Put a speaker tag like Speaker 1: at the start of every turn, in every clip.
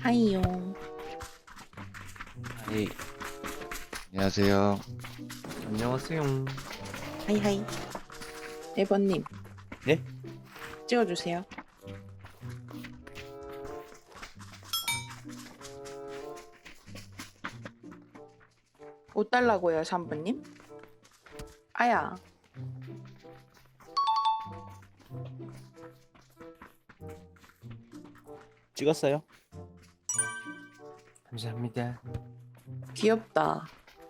Speaker 1: 하이요.
Speaker 2: 네, 안녕하세요.
Speaker 3: 안녕하세요.
Speaker 1: 하이하이. 1번님.
Speaker 3: 네?
Speaker 1: 찍어주세요. 옷 달라고요, 3번님? 아야.
Speaker 3: 찍었어요? 감사합니다.
Speaker 1: 귀엽다.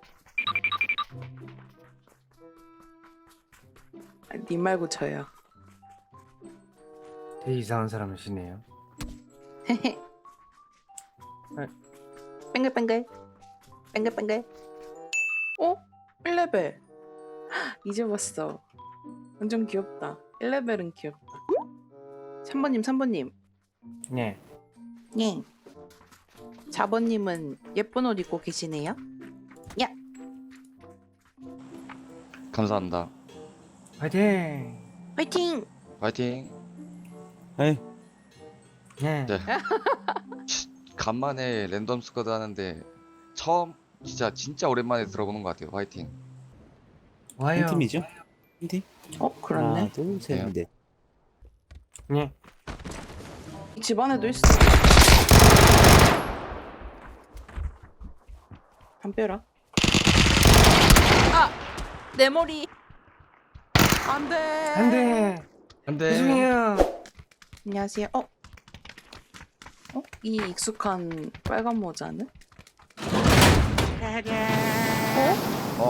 Speaker 1: 니 말고 저요.
Speaker 3: 되게 이상한 사람이시네요.
Speaker 1: 헤헤. 뱅글뱅글. 뱅글뱅글. 어? 1레벨. 이제 봤어. 완전 귀엽다. 1레벨은 귀엽다. 3번님, 3번님.
Speaker 3: 네.
Speaker 1: 예. 4번님은 예쁜 옷 입고 계시네요. 야.
Speaker 2: 감사합니다.
Speaker 3: 화이팅!
Speaker 1: 화이팅!
Speaker 2: 파이팅.
Speaker 3: 네.
Speaker 2: 네. 간만에 랜덤 스쿼드 하는데 처음 진짜 오랜만에 들어보는 것 같아요. 파이팅.
Speaker 3: 와요.
Speaker 4: 한 팀이죠? 한 팀?
Speaker 1: 그렇네.
Speaker 4: 하나, 둘, 셋, 넷.
Speaker 3: 네.
Speaker 1: 집 안에도 있어. 담벼라. 아! 내 머리. 안 돼.
Speaker 3: 안돼.
Speaker 2: 안돼.
Speaker 3: 죄송해요.
Speaker 1: 안녕하세요. 이 익숙한 빨간 모자는?
Speaker 2: 어?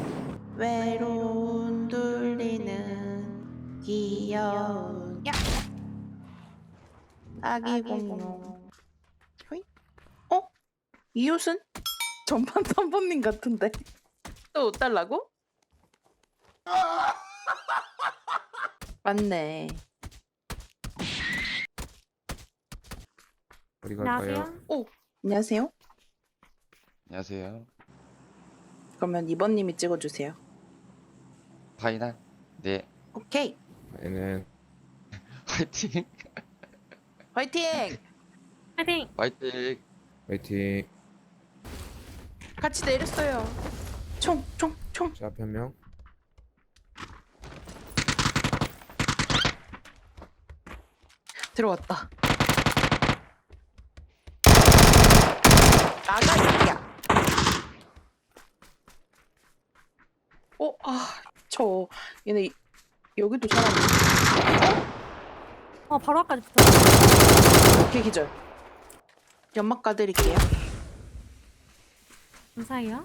Speaker 1: 외로운 둘리는 귀여운 아기 공룡. 호이? 이 옷은? 전반 3번님 같은데. 또 옷 달라고? 맞네.
Speaker 3: 어디 갈까요?
Speaker 1: 안녕하세요.
Speaker 2: 안녕하세요.
Speaker 1: 그러면 2번님이 찍어주세요.
Speaker 2: 파이널. 네.
Speaker 1: 오케이.
Speaker 3: 얘는
Speaker 2: 파이팅.
Speaker 1: 화이팅!
Speaker 5: 파이팅!
Speaker 2: 파이팅.
Speaker 3: 화이팅.
Speaker 1: 같이 내렸어요. 총.
Speaker 3: 자, 한 명.
Speaker 1: 들어왔다. 나가 있야. 저 얘네 여기도 사람.
Speaker 5: 바로 앞까지 붙었어.
Speaker 1: 오케이 기절. 연막 까드릴게요.
Speaker 5: 감사해요.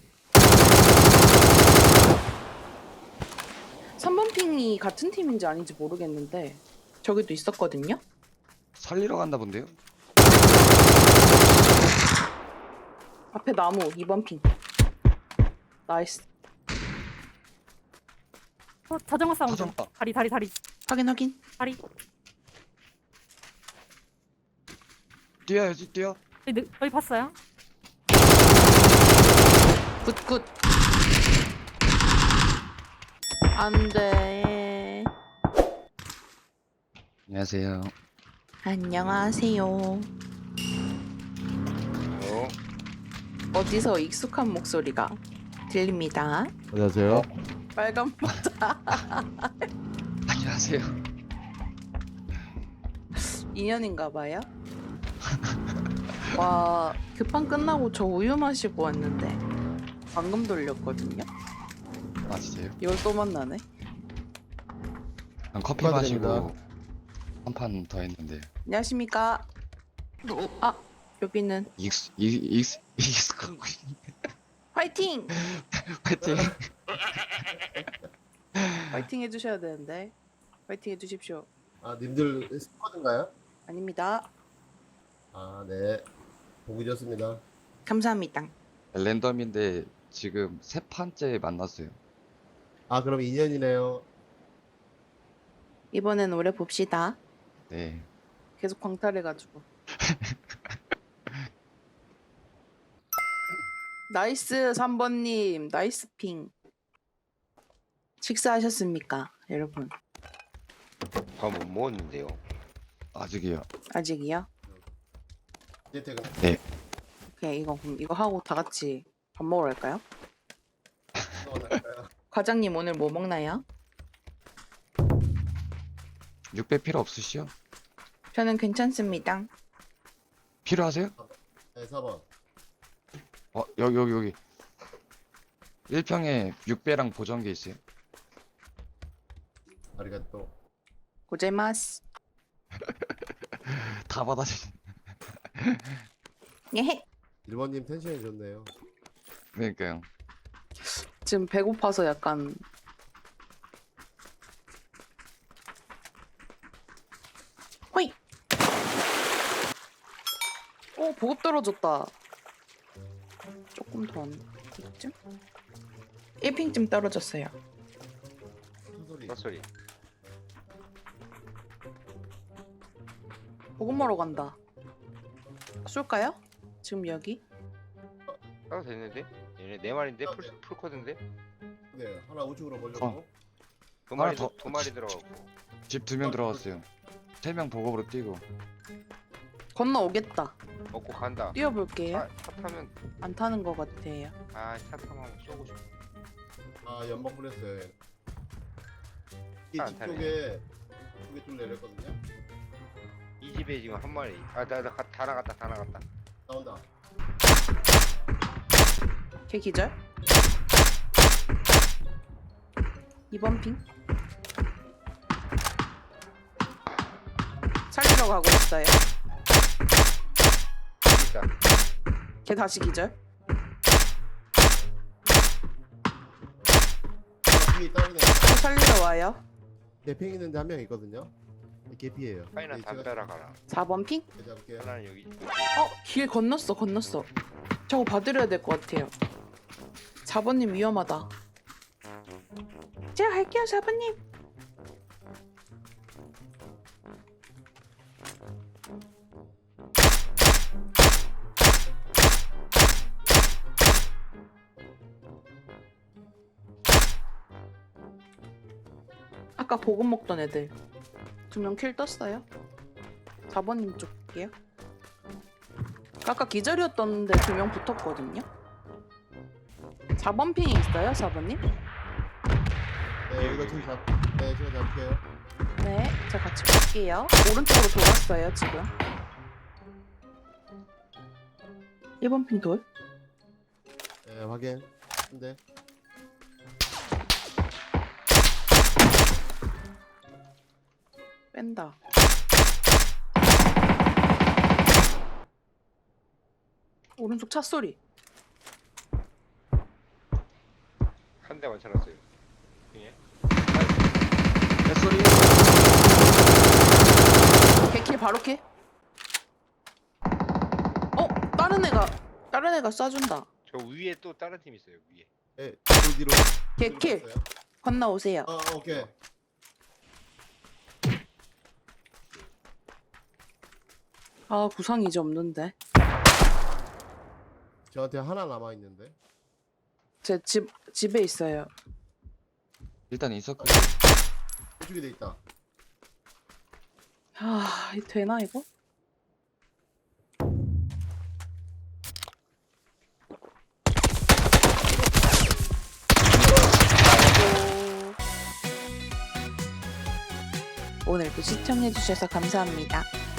Speaker 1: 3번 핑이 같은 팀인지 아닌지 모르겠는데 저기도 있었거든요.
Speaker 2: 살리러 간다 본데요?
Speaker 1: 앞에 나무 2번 핑. 나이스.
Speaker 5: 자전거 사운드.
Speaker 2: 자전거.
Speaker 5: 다리.
Speaker 1: 확인.
Speaker 5: 다리.
Speaker 2: 뛰어야지 뛰어.
Speaker 5: 여기 봤어요?
Speaker 1: 굿. 안돼.
Speaker 2: 안녕하세요.
Speaker 1: 안녕하세요. 어디서 익숙한 목소리가 들립니다.
Speaker 4: 안녕하세요.
Speaker 1: 빨간 모자.
Speaker 2: 안녕하세요.
Speaker 1: 인연인가 봐요. 와, 급한 끝나고 저 우유 마시고 왔는데 방금 돌렸거든요.
Speaker 2: 아 진짜요?
Speaker 1: 이걸 또 만나네.
Speaker 2: 난 커피
Speaker 4: 축하드립니다.
Speaker 2: 마시고 한 판 더 했는데
Speaker 1: 안녕하십니까. 여기는
Speaker 2: 익숙한 거.
Speaker 1: 화이팅!
Speaker 2: 파이팅.
Speaker 1: 화이팅 해주셔야 되는데 화이팅 해주십시오.
Speaker 4: 아, 님들 스쿼드인가요?
Speaker 1: 아닙니다.
Speaker 4: 아, 네. 보기 좋습니다.
Speaker 1: 감사합니다.
Speaker 2: 랜덤인데 지금 세 판째 만났어요.
Speaker 4: 아, 그럼 2년이네요.
Speaker 1: 이번엔 오래 봅시다.
Speaker 2: 네.
Speaker 1: 계속 광탈해가지고. 나이스 3번님. 나이스 핑. 식사하셨습니까 여러분?
Speaker 6: 밥 못 먹었는데요.
Speaker 2: 아직이요.
Speaker 1: 아직이요?
Speaker 4: 이제 퇴근.
Speaker 1: 오케이, 이거 하고 다 같이 밥 먹으러 갈까요?
Speaker 4: 넘어갈까요?
Speaker 1: 과장님 오늘 뭐 먹나요?
Speaker 2: 6배 필요 없으시요?
Speaker 1: 저는 괜찮습니다.
Speaker 2: 필요하세요?
Speaker 4: 네, 4번.
Speaker 2: 여기 1평에 6배랑 보정기 있어요.
Speaker 4: 아리가또.
Speaker 1: 고제마스.
Speaker 2: 다 받아주시.
Speaker 1: 예.
Speaker 4: 1번님 텐션이 좋네요.
Speaker 2: 그러니까요.
Speaker 1: 지금 배고파서 약간 호이. 오, 보급 떨어졌다. 조금 더 이쯤? 1핑쯤 떨어졌어요.
Speaker 4: 소리.
Speaker 6: 헛소리.
Speaker 1: 보급 먹으러 간다. 쏠까요? 지금 여기?
Speaker 6: 따도 됐는데? 얘네 네 마리인데? 풀코드인데?
Speaker 4: 네, 하나 우측으로 벌려고.
Speaker 6: 두 마리,
Speaker 2: 하나 더-
Speaker 6: 두 마리 들어가고.
Speaker 2: 집 2명 들어갔어요. 3명 보급으로 뛰고.
Speaker 1: 건너오겠다.
Speaker 6: 먹고 간다.
Speaker 1: 뛰어볼게요.
Speaker 6: 차 타면,
Speaker 1: 안 타는 것 같아요.
Speaker 6: 차 타면 쏘고 싶어.
Speaker 4: 아, 연막 뿌렸어요. 이
Speaker 6: 안
Speaker 4: 집
Speaker 6: 타네.
Speaker 4: 쪽에 좀 내렸거든요.
Speaker 6: 이 집에 지금 한 마리. 다 나갔다.
Speaker 4: 나온다.
Speaker 1: 걔 기절? 2번 핑. 살리러 가고 있어요.
Speaker 6: 있다.
Speaker 1: 걔 다시 기절?
Speaker 4: 이 다운에
Speaker 1: 또 살리러 와요.
Speaker 4: 대팽 있는데 한 명 있거든요. 개피예요.
Speaker 6: 파이나 담벼라 가라.
Speaker 1: 4번 핑?
Speaker 4: 잡을게요.
Speaker 6: 하나는 여기.
Speaker 1: 길 건넜어. 저거 봐드려야 될 것 같아요. 4번님 위험하다. 제가 갈게요, 4번님. 아까 보급 먹던 애들 2명 킬 떴어요. 4번님 쪽 볼게요. 아까 기절이었던데 2명 붙었거든요. 4번 핑이 있어요, 4번님?
Speaker 4: 네, 여기가 지금 네, 제가 잡을게요.
Speaker 1: 네, 제가 같이 볼게요. 오른쪽으로 돌았어요, 지금. 1번 핑 돌.
Speaker 4: 네, 확인. 근데
Speaker 1: 뺀다. 오른쪽 차 소리.
Speaker 6: 한 대만 쳐놨어요. 예.
Speaker 2: 뱃소리.
Speaker 1: 개킬 바로 킬. 다른 애가 쏴준다.
Speaker 6: 저 위에 또 다른 팀 있어요. 위에.
Speaker 4: 네, 뒤로.
Speaker 1: 개킬.
Speaker 4: 들어갔어요.
Speaker 1: 건너오세요.
Speaker 4: 오케이.
Speaker 1: 아, 구상이 이제 없는데.
Speaker 4: 저한테 하나 남아 있는데.
Speaker 1: 제 집에 있어요.
Speaker 2: 일단 있었거든요.
Speaker 4: 이쪽에 돼 있다.
Speaker 1: 아, 이거 되나 이거? 아이고. 오늘도 시청해주셔서 감사합니다.